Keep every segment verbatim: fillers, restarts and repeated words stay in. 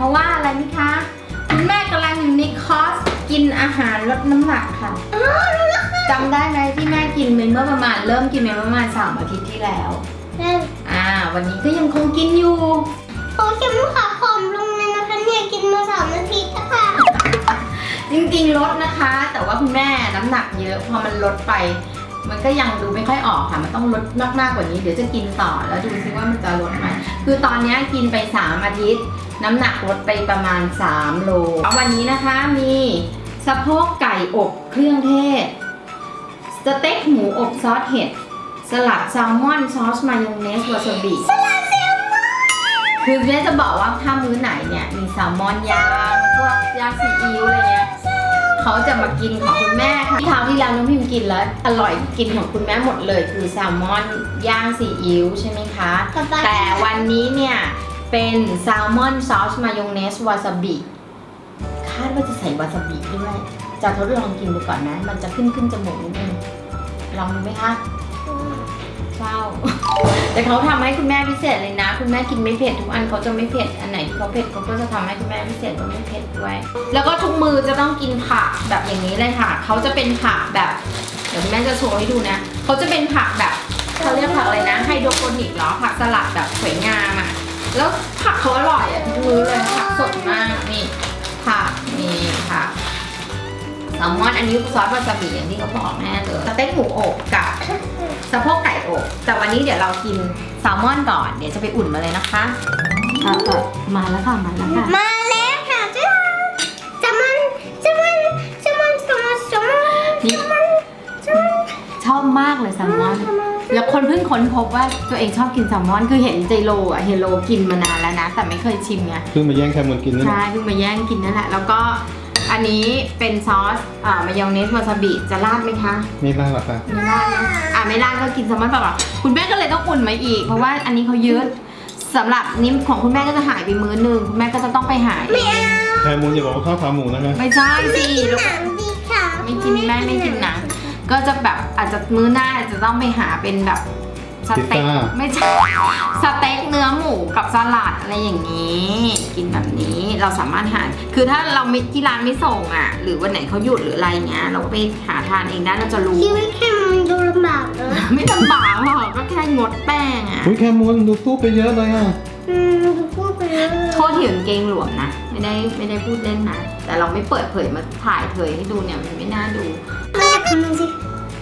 ราะว่าอะไรไหมคะคุณแม่กำลังอยู่ในคอร์สกินอาหารลดน้ำหนักค่ะจำได้ไหมที่แม่กินไปเมื่อประมาณเริ่มกินไปประมาณสามอาทิตย์ที่แล้วอ่าวันนี้ก็ยังคงกินอยู่โอ้ฉันขาผอมลงเลยนะคะเนี่ยกินมาสามนาทีแล้วค่ะจริงๆลดนะคะ แต่ว่าคุณแม่น้ำหนักเยอะพอมันลดไปมันก็ยังดูไม่ค่อยออกค่ะมันต้องลดมากๆกว่านี้เดี๋ยวจะกินต่อแล้วดูซิว่ามันจะลดไหมคือตอนนี้กินไปสามอาทิตย์น้ำหนักลดไปประมาณสามโลวันนี้นะคะมีสะโพกไก่อบเครื่องเทศสเต็กหมูอบซอสเห็ดสลัดแซลมอนซอสมายองเนสวาซาบิสลัดแซลมอนคือแม่จะบอกว่าถ้ามื้อไหนเนี่ยมีแซลมอนย่างพวกย่างซีอิ๊วอะไรเงี้ยเขาจะมากินของคุณแม่ค่ะที่คราวที่แล้วน้องพิมกินแล้วอร่อยกินของคุณแม่หมดเลยคือแซลมอนย่างซีอิ๊วใช่ไหมคะแต่วันนี้เนี่ยเป็นแซลมอนซอสมายองเนสวาซาบิคาดว่าจะใส่วาซาบิด้วยจะทดลองกินดูก่อนนะมันจะขึ้นขึ้นจมูกนิดนึงลองดูไหมคะเศร้าแต่เขาทำให้คุณแม่พิเศษเลยนะคุณแม่กินไม่เผ็ดทุกอันเขาจะไม่เผ็ดอันไหนที่เขาเผ็ดเขาก็จะทำให้คุณแม่พิเศษก็ไม่เผ็ดด้วยแล้วก็ทุกมือจะต้องกินผักแบบอย่างนี้เลยค่ะเขาจะเป็นผักแบบเดี๋ยวคุณแม่จะโชว์ให้ดูนะเขาจะเป็นผักแบบเขาเรียกผักอะไรนะไฮโดรโปนิกเหรอผักสลัดแบบสวยงามอ่ะแล้วผักเขาอร่อยอ่ะทุกมือเลยผักสดมากนี่ผักนี่ผักแซลมอนอันนี้ซอสวาซาบิอย่างที่เขาบอกแม่เลยสเต็กหมูอบกับสะโพกไก่อบแต่วันนี้เดี๋ยวเรากินแซลมอนก่อนเดี๋ยวจะไปอุ่นมาเลยนะคะเออเออมาแล้วค่ะมาแล้วค่ะมาแล้วค่ะจ้าจะมันจะมันจะมันจะมันจะมันชอบมากเลยแซลมอนแล้วคนเพิ่งค้นพบว่าตัวเองชอบกินแซลมอนคือเห็นเจโรอะเฮโรกินมานานแล้วนะแต่ไม่เคยชิมไงเพิ่งมาแย่งแคมอนกินนี่ใช่เพิ่งมาแย่งกินนั่นแหละแล้วก็อันนี้เป็นซอสอ่ามายองเนสวาซาบิจะราดไหมคะไม่ราดหรอกค่ะไม่ราดนะอ่าไม่ราดก็กินแซลมอนเปล่าๆคุณแม่ก็เลยต้องอุ่นมาอีกเพราะว่าอันนี้เขายืดสำหรับนิ้มของคุณแม่ก็จะหายไปมื้อนึงคุณแม่ก็จะต้องไปหาเองแคมอนอย่าบอกว่าข้าวขาหมูนะคะไม่ใช่สิไม่กินหนังดีค่ะไม่กินแม่ไม่กินหนังก็จะแบบอาจจะมื้อหน้าจะต้องไปหาเป็นแบบสเต็กไม่ใช่สเต็กเนื้อหมูกับสลัดอะไรอย่างนี้กินแบบนี้เราสามารถหาคือถ้าเราไม่ที่ร้านไม่ส่งอ่ะหรือวันไหนเขาหยุดหรืออะไรเงี้ยเราก็ไปหาทานเองได้เราจะรู้ชีวิตแค่มันดูลำบากเลยไม่ลำบากหรอกก็แค่งดแป้งอ่ะอุ้ยแคมอนดูตู้ไปเยอะเลยอ่ะอืมดูพูดไปเลยโทษถึงเกงหลวมนะไม่ได้ไม่ได้พูดเล่นนะแต่เราไม่เปิดเผยมาถ่ายเผยให้ดูเนี่ยมันไม่น่าดูแม่ทำมันสิ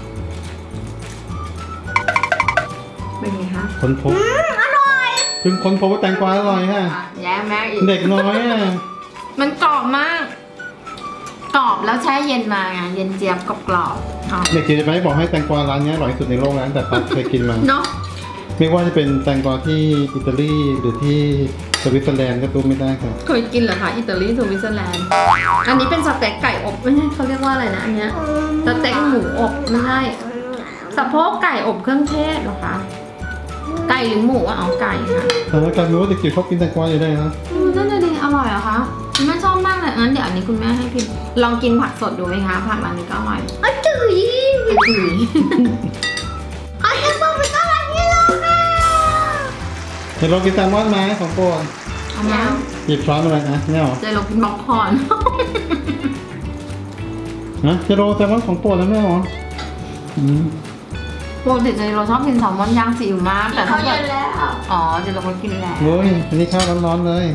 เป็นไงคะคนพบอร่อยเพิ่งคนพบว่าแตงกวาอร่อยฮะแย่แม่อีกเด็กน้อยอ่ะมันกรอบมากกรอบแล้วแช่เย็นมาไงเย็นเจี๊ยบกรอบกรอบเด็กจิ๋วจะไปบอกให้แตงกวาร้านนี้อร่อยที่สุดในโลกแล้วแต่ป๊าเคยกินมาเนาะไม่ว่าจะเป็นแตงกวาที่อิตาลีหรือที่สวิตเซอร์แลนด์ก็ตู้ไม่ได้ครับเคยกินเหรอคะอิตาลีสวิตเซอร์แลนด์อันนี้เป็นสเต็กไก่อบไม่ใช่เขาเรียกว่าอะไรนะอันเนี้ยสเต็กหมูอบไม่ใช่สะโพกไก่อบเครื่องเทศเหรอคะไก่หรือหมูอ่ะเอาไก่ค่ะแต่แล้วกันรู้ว่าเด็กจิ๋วชอบกินแตงกวาอยู่ได้นะอืมนั่นเลยอร่อยเหรอคะคุณแม่ชอบมากเลยงั้นเดี๋ยวอันนี้คุณแม่ให้พิมลองกินผักสดดูไหมคะผักอันนี้ก็อร่อยอจุ๋ยอจุ๋ยขอให้พวกมันอร่อยที่สุดค่ะเดี๋ยวเรากินแซลมอนไหมของโปรดเอามาหยิบช้อนมาเลยนะเนี่ยหรอเดี๋ยวเรากินบ็อกคอร์นนะจะโรแซลมอนของโปรดแล้วแม่หรออืมปกติเจเราชอบกินแซลมอนย่างซีอิ๊วมากแต่ถ้าเกิดอ๋อเจเราก็กินแล้วเฮ้ยอันนี้ข้าวร้อนๆเลย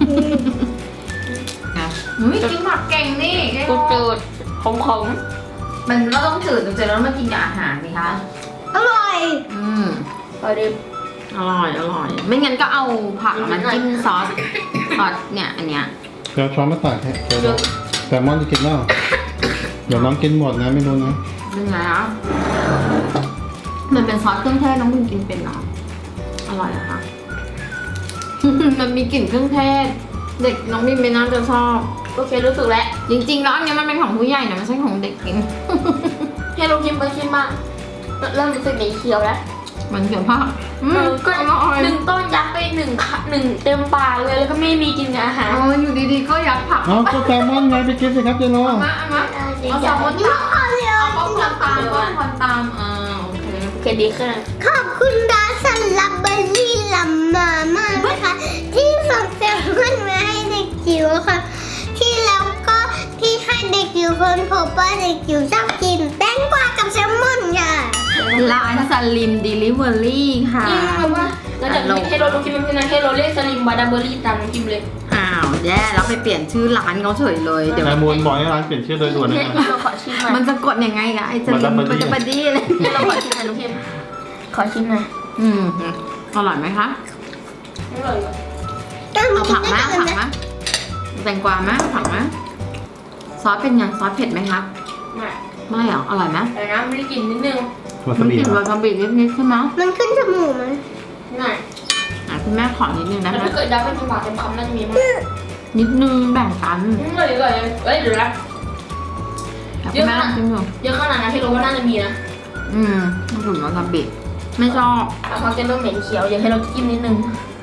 อุ้ยกินผักเก่งนี่กูจืดขมๆมันเราต้องจืดเจเราต้องมากินกับอาหารสิคะอร่อยอืมอร่อยอร่อยอร่อยไม่งั้นก็เอาผักมาจิ้มซอสซอสเนี่ยอันเนี้ยเดี๋ยวช้อนมาตักแค่แซลมอนจะกินแล้วเดี๋ยวน้องกินหมดนะไม่รู้นะเป็นไงอ่ะมันเป็นซอสเครื่องเทศน้องมินกินเป็นเนาะอร่อยอะค่ะ มันมีกลิ่นเครื่องเทศเด็กน้องมินไม่น่าจะชอบโอเครู้สึกแล้วจริงๆแล้วอันนี้มันเป็นของผู้ใหญ่นะไม่ใช่ของเด็กกินให้เรากินไปกินมาเริ่มรู้สึกเหม็นเคี้ยวแล้วมันเขียวมากก็หนึ่งต้นยัดไปหนึ่งหนึ่งเต็มปากเลยแล้วก็ไม่มีกินอาหารอ๋ออยู่ดีๆก็ยัดผักเอาก็แซลมอนไงไปกินสิครับเจโร่มามาเอาแซลมอนตามเอาป้องกันตามป้องกันตามอ่าโอเคโอเคดีขึ้นขอบคุณร้านสลับเบอร์รี่ลำมามากนะคะที่ส่งแซลมอนมาให้เด็กจิ๋วค่ะ ที่แล้วก็ที่ให้เด็กจิ๋วคนพบว่าเด็กจิ๋วชอบกินแตงกวากับแซลมอนค่ะร้านสลิมเดลิเวอรี่ค่ะจริงเหรอวะแล้วจากที่ให้โรลงกินมันเป็นให้โรเรียกสลิมบาดาเบอรี่ตามน้องกิมเลยอ้าวแย่แล้วไปเปลี่ยนชื่อร้านเขาเฉยเลย เดี๋ยวนายมูลบอกให้ร้านเปลี่ยนชื่อโดยด่วนเลยให้นะเราขอชิมหน่อยมันจะกดยังไงล่ะไอ้สลิม Badabadi มันจะบดี้เลยให้เราขอชิมหน่อยน้องกิมขอชิมหน่อยอืมอร่อยไหมคะอร่อยว่ะเอาผักไหมเอาผักไหมแตงกวาไหมเอาผักไหมซอสเป็นยังซอสเผ็ดไหมคะไม่ไม่หรออร่อยไหมแต่น้ำไม่ได้กลินนิดนึงวามัซาน บิกลิ่นเหรวาอซาบินิดๆใช่ไหมมันขึ้นจมูกไหมง่ายอ่ะคุณแม่ขอนิดนึงแล้นะวคะถ้าเกิดดับเป็นจังหวะเต็มคำน่าจะมีมั้งนิดนึงแบ่งกันอร่อยอร่อยเอ้ยเดี๋ยวนะแต่คุณแม่ชิมดูเยอะขนาดนั้นให้รู้ว่าน่าจะมีนะอืมมันถึงวาซาบิไม่ชอบแต่เขาจะเริ่มเหม็นเขียวอยากให้เราจิ้มนิดนึง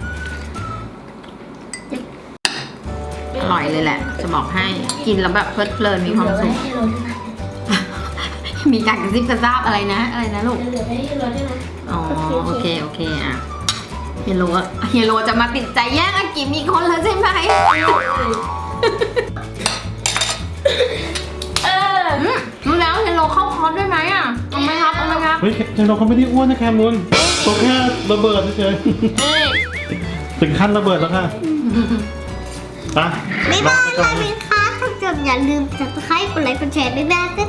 อร่อยเลยแหละ จะบอกให้กินแล้วแบบเพลิดเพลินมีความสุขให้เราด้วยนะมีการกระซิบกระซาบอะไรนะ อะไรนะลูกเหลือให้เราด้วยนะอ๋อโอเคโอเคอ่ะเฮยโลเฮยโลจะมาติดใจแย่งอากิมอีกคนแล้วใช่ไหมเอออืมรู้แล้วเฮยโลเข้าคอร์สด้วยไหมอ่ะเอาไหมครับเอาไหมครับเฮ้ยเจนเราเขาไม่ได้อ้วนนะแคมูลตัวแค่ระเบิดเฉยเอ้ยๆถึงขั้นระเบิดแล้วค่ะไปบ๊ายลาบายไปก่อนค่ะนะเป็นค่ะถ้าเกิดอย่าลืม subscribe กดไลค์กดแชร์บ๊ายบาย